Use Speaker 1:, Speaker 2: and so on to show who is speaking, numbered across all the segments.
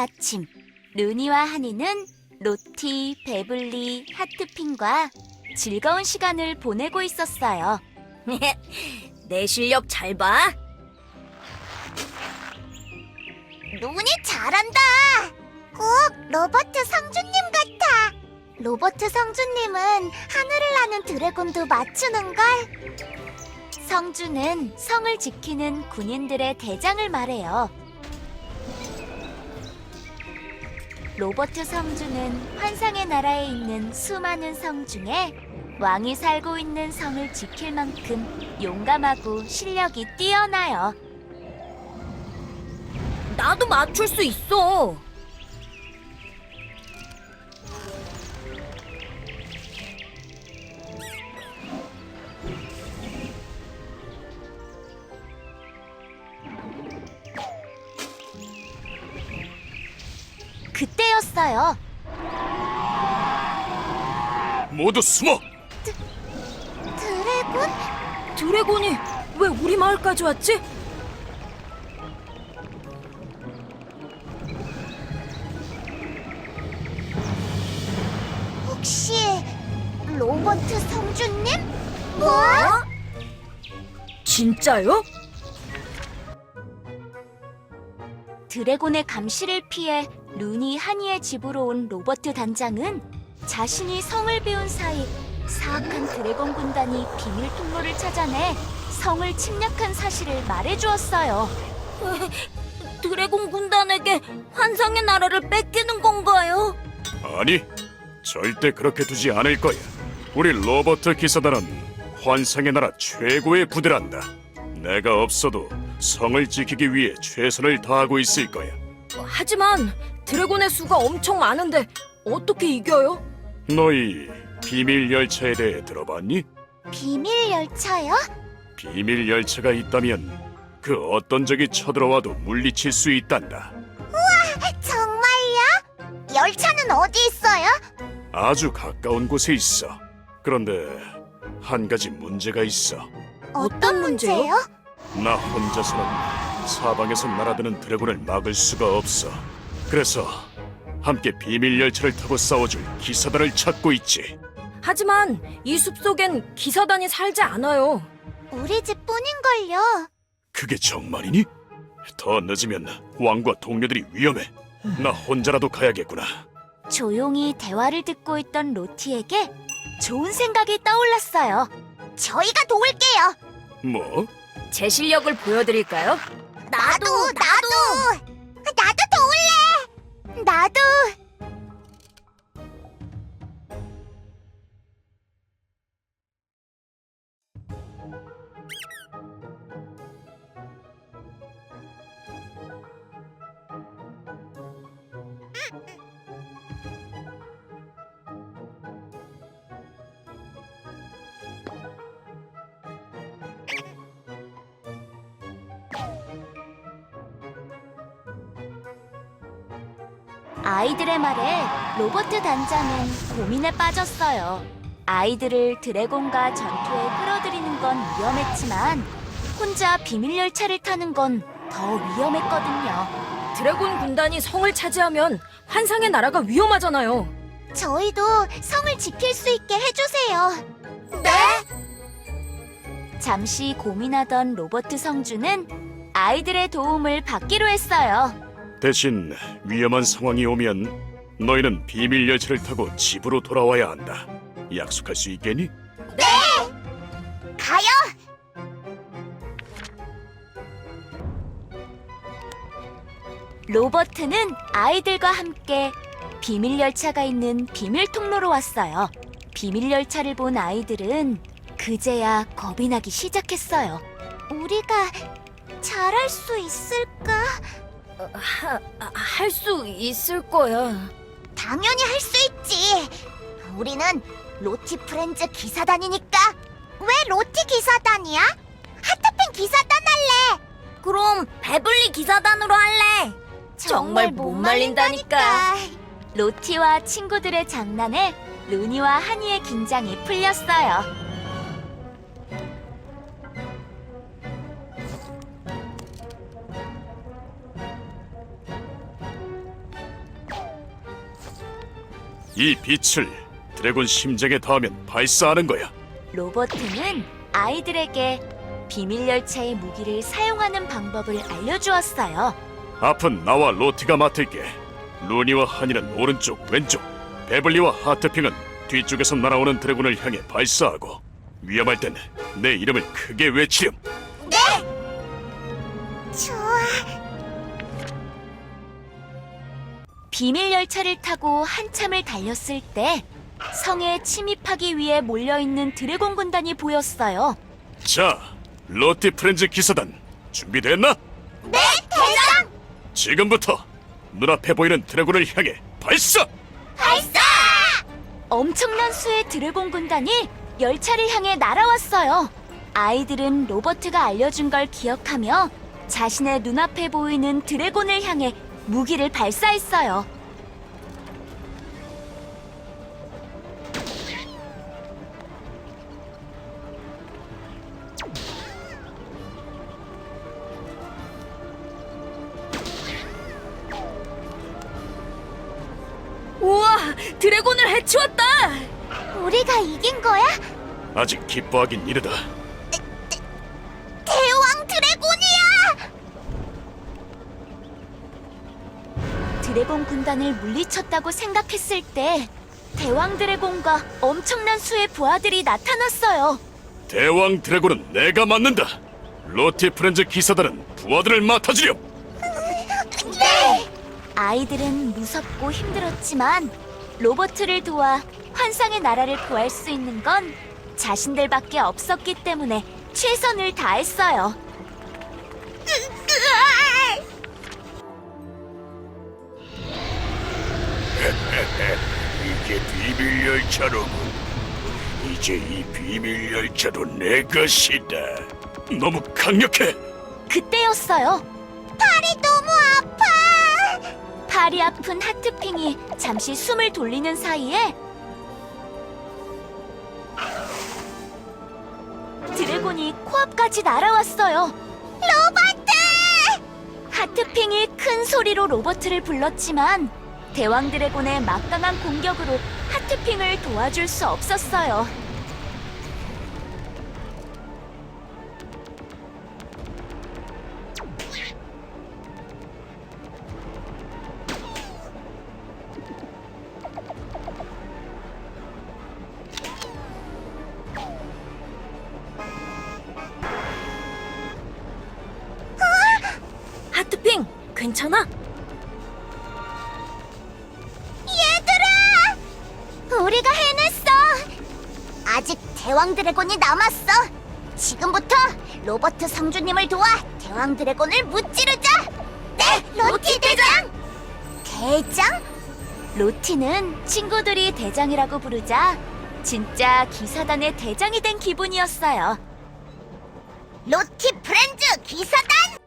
Speaker 1: 아침, 루니와 하니는 로티, 베블리, 하트핀과 즐거운 시간을 보내고 있었어요.
Speaker 2: 내 실력 잘 봐.
Speaker 1: 루니 잘한다. 꼭 로버트 성주님 같아. 로버트 성주님은 하늘을 나는 드래곤도 맞추는걸. 성주는 성을 지키는 군인들의 대장을 말해요. 로버트 성주는 환상의 나라에 있는 수많은 성 중에 왕이 살고 있는 성을 지킬 만큼 용감하고 실력이 뛰어나요.
Speaker 2: 나도 맞출 수 있어.
Speaker 1: 그때였어요.
Speaker 3: 모두 숨어!
Speaker 1: 드래곤?
Speaker 2: 드래곤이 왜 우리 마을까지 왔지?
Speaker 1: 혹시 로버트 성주님? 뭐?
Speaker 2: 진짜요?
Speaker 1: 드래곤의 감시를 피해 루니 하니의 집으로 온 로버트 단장은 자신이 성을 비운 사이 사악한 드래곤 군단이 비밀 통로를 찾아내 성을 침략한 사실을 말해주었어요.
Speaker 2: 드래곤 군단에게 환상의 나라를 뺏기는 건가요?
Speaker 3: 아니, 절대 그렇게 두지 않을 거야. 우리 로버트 기사단은 환상의 나라 최고의 부대란다. 내가 없어도 성을 지키기 위해 최선을 다하고 있을 거야.
Speaker 2: 하지만 드래곤의 수가 엄청 많은데 어떻게 이겨요?
Speaker 3: 너희 비밀 열차에 대해 들어봤니?
Speaker 1: 비밀 열차요?
Speaker 3: 비밀 열차가 있다면 그 어떤 적이 쳐들어와도 물리칠 수 있단다.
Speaker 1: 정말요? 열차는 어디 있어요?
Speaker 3: 아주 가까운 곳에 있어. 그런데 한 가지 문제가 있어.
Speaker 2: 어떤 문제요?
Speaker 3: 나 혼자서는 사방에서 날아드는 드래곤을 막을 수가 없어. 그래서 함께 비밀 열차를 타고 싸워줄 기사단을 찾고 있지.
Speaker 2: 하지만 이 숲속엔 기사단이 살지 않아요.
Speaker 1: 우리 집뿐인걸요.
Speaker 3: 그게 정말이니? 더 늦으면 왕과 동료들이 위험해. 나 혼자라도 가야겠구나.
Speaker 1: 조용히 대화를 듣고 있던 로티에게 좋은 생각이 떠올랐어요. 저희가 도울게요.
Speaker 3: 뭐?
Speaker 2: 제 실력을 보여드릴까요?
Speaker 1: 나도 도울래. 나도. 아이들의 말에 로버트 단장은 고민에 빠졌어요. 아이들을 드래곤과 전투에 끌어들이는 건 위험했지만 혼자 비밀 열차를 타는 건 더 위험했거든요.
Speaker 2: 드래곤 군단이 성을 차지하면 환상의 나라가 위험하잖아요.
Speaker 1: 저희도 성을 지킬 수 있게 해주세요. 네? 잠시 고민하던 로버트 성주는 아이들의 도움을 받기로 했어요.
Speaker 3: 대신 위험한 상황이 오면 너희는 비밀 열차를 타고 집으로 돌아와야 한다. 약속할 수 있겠니?
Speaker 1: 가요! 로버트는 아이들과 함께 비밀 열차가 있는 비밀 통로로 왔어요. 비밀 열차를 본 아이들은 그제야 겁이 나기 시작했어요. 우리가 잘할 수 있을까?
Speaker 2: 할 수 있을 거야.
Speaker 1: 당연히 할 수 있지. 우리는 로티 프렌즈 기사단이니까. 왜 로티 기사단이야? 하트핀 기사단 할래.
Speaker 2: 그럼 베블리 기사단으로 할래. 정말 못 말린다니까.
Speaker 1: 로티와 친구들의 장난에 루니와 하니의 긴장이 풀렸어요.
Speaker 3: 이 빛을 드래곤 심장에 닿으면 발사하는 거야.
Speaker 1: 로버트는 아이들에게 비밀 열차의 무기를 사용하는 방법을 알려주었어요.
Speaker 3: 앞은 나와 로티가 맡을게. 루니와 하니는 오른쪽, 왼쪽, 베블리와 하트핑은 뒤쪽에서 날아오는 드래곤을 향해 발사하고 위험할 땐 내 이름을 크게 외치렴.
Speaker 1: 좋아. 비밀 열차를 타고 한참을 달렸을 때 성에 침입하기 위해 몰려있는 드래곤 군단이 보였어요.
Speaker 3: 자, 로티 프렌즈 기사단 준비됐나?
Speaker 1: 네, 대장!
Speaker 3: 지금부터 눈앞에 보이는 드래곤을 향해 발사!
Speaker 1: 발사! 엄청난 수의 드래곤 군단이 열차를 향해 날아왔어요. 아이들은 로버트가 알려준 걸 기억하며 자신의 눈앞에 보이는 드래곤을 향해 무기를 발사했어요.
Speaker 2: 우와, 드래곤을 해치웠다!
Speaker 1: 우리가 이긴 거야?
Speaker 3: 아직 기뻐하긴 이르다.
Speaker 1: 대왕 드래곤이야! 드래곤 군단을 물리쳤다고 생각했을 때 대왕 드래곤과 엄청난 수의 부하들이 나타났어요.
Speaker 3: 대왕 드래곤은 내가 맡는다. 로티 프렌즈 기사단은 부하들을 맡아주렴.
Speaker 1: 네! 아이들은 무섭고 힘들었지만 로버트를 도와 환상의 나라를 구할 수 있는 건 자신들밖에 없었기 때문에 최선을 다했어요.
Speaker 3: 이게 비밀 열차로군. 이제 이 비밀 열차도 내 것이다. 너무 강력해.
Speaker 1: 그때였어요. 팔이 너무 아파. 팔이 아픈 하트핑이 잠시 숨을 돌리는 사이에 드래곤이 코앞까지 날아왔어요. 로버트! 하트핑이 큰 소리로 로버트를 불렀지만 대왕 드래곤의 막강한 공격으로 하트핑을 도와줄 수 없었어요.
Speaker 2: 하트핑, 괜찮아?
Speaker 1: 얘들아! 우리가 해냈어! 아직 대왕 드래곤이 남았어! 지금부터 로버트 성주님을 도와 대왕 드래곤을 무찌르자! 네, 로티 대장! 대장? 로티는 친구들이 대장이라고 부르자 진짜 기사단의 대장이 된 기분이었어요. 로티 프렌즈 기사단!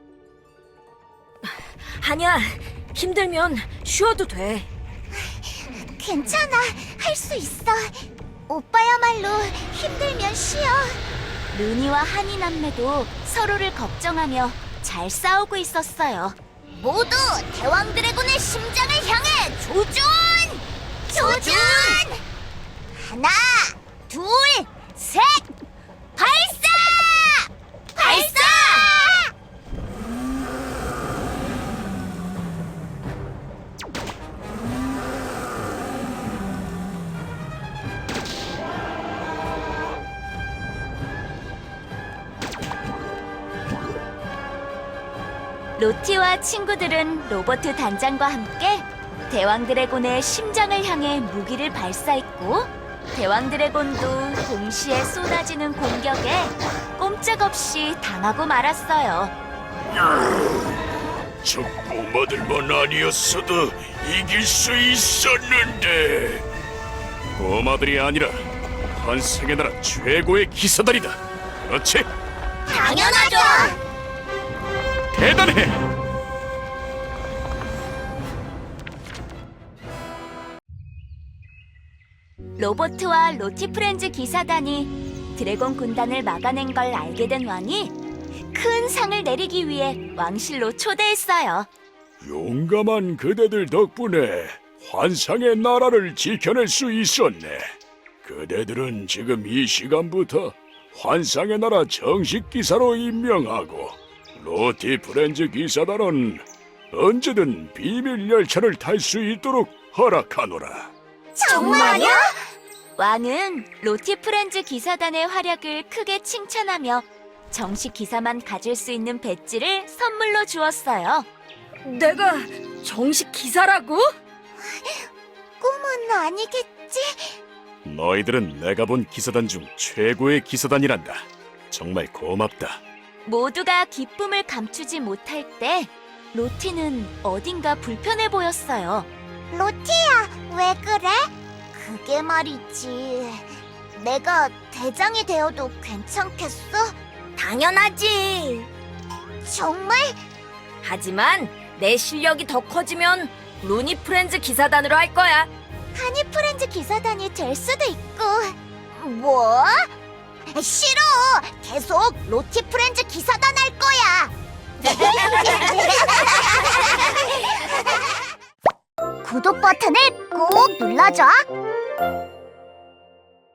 Speaker 2: 하냐, 힘들면 쉬어도 돼.
Speaker 1: 괜찮아, 할 수 있어. 오빠야말로 힘들면 쉬어. 루니와 하니 남매도 서로를 걱정하며 잘 싸우고 있었어요. 모두 대왕 드래곤의 심장을 향해 조준! 조준! 하나, 둘, 셋! 발사! 발사! 로티와 친구들은 로버트 단장과 함께 대왕 드래곤의 심장을 향해 무기를 발사했고 대왕 드래곤도 동시에 쏟아지는 공격에 꼼짝없이 당하고 말았어요.
Speaker 3: 저 꼬마들만 아니었어도 이길 수 있었는데. 꼬마들이 아니라 환상의 나라 최고의 기사단이다. 그렇지?
Speaker 1: 당연하죠!
Speaker 3: 대단해!
Speaker 1: 로버트와 로티 프렌즈 기사단이 드래곤 군단을 막아낸 걸 알게 된 왕이 큰 상을 내리기 위해 왕실로 초대했어요.
Speaker 3: 용감한 그대들 덕분에 환상의 나라를 지켜낼 수 있었네. 그대들은 지금 이 시간부터 환상의 나라 정식 기사로 임명하고 로티 프렌즈 기사단은 언제든 비밀 열차를 탈 수 있도록 허락하노라.
Speaker 1: 정말요? 왕은 로티 프렌즈 기사단의 활약을 크게 칭찬하며 정식 기사만 가질 수 있는 배지를 선물로 주었어요.
Speaker 2: 내가 정식 기사라고?
Speaker 1: 꿈은 아니겠지?
Speaker 3: 너희들은 내가 본 기사단 중 최고의 기사단이란다. 정말 고맙다.
Speaker 1: 모두가 기쁨을 감추지 못할 때 로티는 어딘가 불편해 보였어요. 로티야, 왜 그래? 그게 말이지. 내가 대장이 되어도 괜찮겠어? 당연하지. 정말?
Speaker 2: 하지만 내 실력이 더 커지면 루니 프렌즈 기사단으로 할 거야.
Speaker 1: 하니 프렌즈 기사단이 될 수도 있고. 뭐? 싫어. 계속 로티 프렌즈 기사단 할 거야. 구독 버튼을 꼭 눌러줘.